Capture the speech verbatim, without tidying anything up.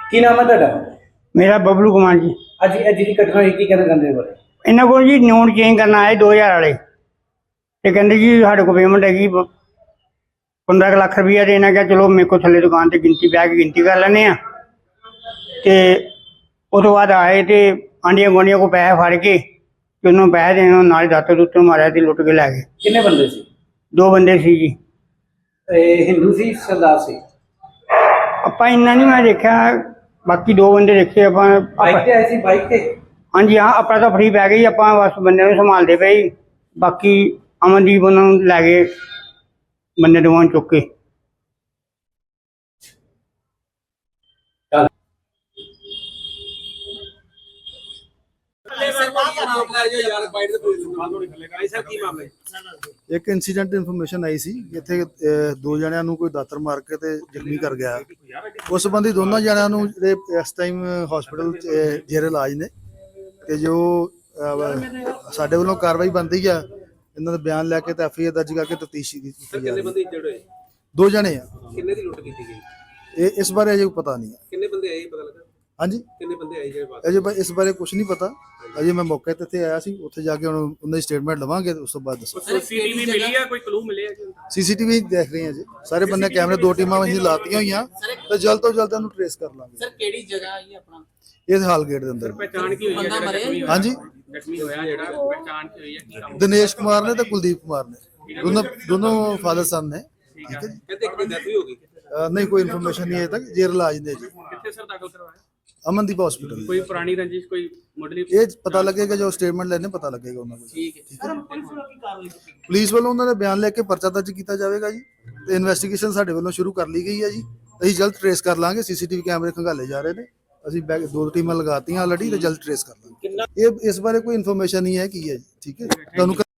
ਕੀ ਨਾਮ ਹੈ ਤੁਹਾਡਾ? मेरा बबलू कुमार जी। ਅੱਜ ਇਹ ਜਿਹੜੀ ਘਟਨਾ ਹੋਈ ਕੀ ਕਹਿਣਾ ਚਾਹੁੰਦੇ ਹੋ? इन्हों को जी नोट चेंज करना आए दो हज़ार वाले तो कहते जी साढ़े को पेमेंट हैगी पंद्रह लाख रुपया देना। क्या चलो मेरे को थले दुकान से गिनती बह के गिनती कर लें। तो उस तो बाद आए तो आंडिया गुआढ़िया को पैसे फड़ के तो उन्होंने पैसे देने नाल दातर दुतर मारिया तो लुट के लै गए। ਕਿੰਨੇ ਬੰਦੇ ਸੀ? दो बंदे सी जी। ਇਹ ਹਿੰਦੂ ਸੀ ਸਰਦਾਰ ਸੀ? ਆਪਾਂ ਇੰਨਾ ਨਹੀਂ ਮੈਂ ਦੇਖਿਆ, ਬਾਕੀ ਦੋ ਬੰਦੇ ਦੇਖੇ ਆਪਾਂ। ਬਾਈਕ ਤੇ ਆਏ ਸੀ? ਬਾਈਕ ਤੇ? ਹਾਂਜੀ ਹਾਂ, ਆਪਣਾ ਤਾਂ ਫਰੀ ਪੈ ਗਈ, ਆਪਾਂ ਬਸ ਬੰਦੇ ਨੂੰ ਸੰਭਾਲਦੇ ਪਏ। ਬਾਕੀ ਅਮਨਦੀਪ ਉਹਨਾਂ ਨੂੰ ਲੈ ਗਏ ਬੰਦੇ ਦੋਵਾਂ ਨੂੰ ਚੁੱਕ ਕੇ। ਇੱਕ ਇਨਸੀਡੈਂਟ ਇਨਫੋਰਮੇਸ਼ਨ ਆਈ ਸੀ ਇੱਥੇ ਦੋ ਜਣਿਆਂ ਨੂੰ ਕੋਈ ਦਾਤਰ ਮਾਰ ਕੇ ਤੇ ਜ਼ਖਮੀ ਕਰ ਗਿਆ। ਉਸ ਸੰਬੰਧੀ ਦੋਨਾਂ ਜਣਿਆਂ ਨੂੰ ਜਿਹੜੇ ਇਸ ਟਾਈਮ ਹਸਪੀਟਲ ਜੇਰੇ ਇਲਾਜ ਨੇ ਤੇ ਜੋ ਸਾਡੇ ਵੱਲੋਂ ਕਾਰਵਾਈ ਬਣਦੀ ਆ ਇਹਨਾਂ ਦਾ ਬਿਆਨ ਲੈ ਕੇ ਤੇ ਐਫ ਆਈ ਆਰ ਦਰਜ ਕਰਕੇ ਤਫਤੀਸ਼ ਕੀਤੀ ਜਾ ਰਹੀ ਹੈ। ਦੋ ਜਣੇ ਆ। ਕਿੰਨੇ ਦੀ ਲੁੱਟ ਕੀਤੀ ਗਈ? ਇਹ ਇਸ ਬਾਰੇ ਅਜੇ ਪਤਾ ਨਹੀਂ ਹੈ। ਕਿੰਨੇ ਬੰਦੇ ਆਏ ਪਤਾ ਲੱਗਾ? ਹਾਂਜੀ, ਕਿੰਨੇ ਬੰਦੇ ਆਏ ਜਿਹੜੇ ਬਾਅਦ? ਅਜੇ ਇਸ ਬਾਰੇ ਕੁਝ ਨਹੀਂ ਪਤਾ। ਅਜੇ ਮੈਂ ਮੌਕੇ ਤੇ ਇੱਥੇ ਆਇਆ ਸੀ, ਉੱਥੇ ਜਾ ਕੇ ਹੁਣ ਉਹਨਾਂ ਦੀ ਸਟੇਟਮੈਂਟ ਲਵਾਂਗੇ ਤੇ ਉਸ ਤੋਂ ਬਾਅਦ ਦੱਸਾਂ। ਸੀਸੀਟੀਵੀ ਮਿਲੀ ਆ? ਕੋਈ ਕਲੂ ਮਿਲਿਆ ਜੀ? ਸੀਸੀਟੀਵੀ ਦੇਖ ਰਹੇ ਹਾਂ ਜੀ, ਸਾਰੇ ਬੰਦੇ ਕੈਮਰੇ ਦੋ ਟੀਮਾਂ ਅਸੀਂ ਲਾਤੀਆਂ ਹੋਈਆਂ ਤੇ ਜਲਦ ਤੋਂ ਜਲਦ ਉਹਨੂੰ ਟ੍ਰੇਸ ਕਰ ਲਾਂਗੇ। ਸਰ ਕਿਹੜੀ ਜਗ੍ਹਾ ਹੈ ਆਪਣਾ? ਇਸ ਹਾਲ ਗੇਟ ਦੇ ਅੰਦਰ। ਪਹਿਚਾਣ ਕੀ ਹੋਈ ਹੈ? ਹਾਂਜੀ, ਜ਼ਖਮੀ ਹੋਇਆ ਜਿਹੜਾ ਪਹਿਚਾਣ ਕੀ ਹੋਈ ਹੈ? ਕੀ ਕੰਮ? ਦਿਨੇਸ਼ ਕੁਮਾਰ ਨੇ ਤੇ ਕੁਲਦੀਪ ਕੁਮਾਰ ਨੇ, ਦੋਨੋਂ ਦੋਨੋਂ ਫਾਦਰ ਸਨ ਨੇ। ਠੀਕ ਹੈ ਜੀ। ਕਹਿੰਦੇ ਇੱਕ ਦੀ ਡੈਥ ਵੀ ਹੋ ਗਈ? ਅਹ ਨਹੀਂ, ਕੋਈ ਇਨਫੋਰਮੇਸ਼ਨ ਨਹੀਂ ਅਜੇ ਤੱਕ। ਜੇਰ ਇਲਾਜ ਨੇ ਜੀ। ਕਿੱਥੇ ਸਰ ਦਾਖਲ ਕਰਵਾਇਆ? ਅਮਨਦੀਪ ਹਸਪੀਟਲ। ਕੋਈ ਪੁਰਾਣੀ ਰੰਜਿਸ਼, ਕੋਈ ਮੁੱਢਲੀ? ਇਹ ਪਤਾ ਲੱਗੇਗਾ ਜੋ ਸਟੇਟਮੈਂਟ ਲੈਣੇ, ਪਤਾ ਲੱਗੇਗਾ ਉਹਨਾਂ ਕੋਲ। ਠੀਕ ਹੈ ਸਰ, ਪੁਲਿਸ ਵੱਲੋਂ ਕੀ ਕਾਰਵਾਈ ਕੀਤੀ? ਪੁਲਿਸ ਵੱਲੋਂ ਉਹਨਾਂ ਦੇ ਬਿਆਨ ਲੈ ਕੇ ਪਰਚਾ ਦਰਜ ਕੀਤਾ ਜਾਵੇਗਾ ਜੀ ਤੇ ਇਨਵੈਸਟੀਗੇਸ਼ਨ ਸਾਡੇ ਵੱਲੋਂ ਸ਼ੁਰੂ ਕਰ ਲਈ ਗਈ ਹੈ ਜੀ। ਅਸੀਂ ਜਲਦ ਟ੍ਰੇਸ ਕਰ ਲਾਂਗੇ। ਸੀਸੀਟੀਵੀ ਕੈਮਰੇ ਖੰਗਾਲੇ ਜਾ ਰਹੇ ਨੇ, ਅਸੀਂ ਬੈਕ ਦੋ ਟੀਮਾਂ ਲਗਾਤੀਆਂ ਆਲਰੇਡੀ ਤੇ ਜਲਦ ਟ੍ਰੇਸ ਕਰ ਲਾਂਗੇ। ਇਹ ਇਸ ਬਾਰੇ ਕੋਈ ਇਨਫੋਰਮੇਸ਼ਨ ਨਹੀਂ ਹੈ ਕੀ ਹੈ ਜੀ। ਠੀਕ ਹੈ ਤੁਹਾਨੂੰ।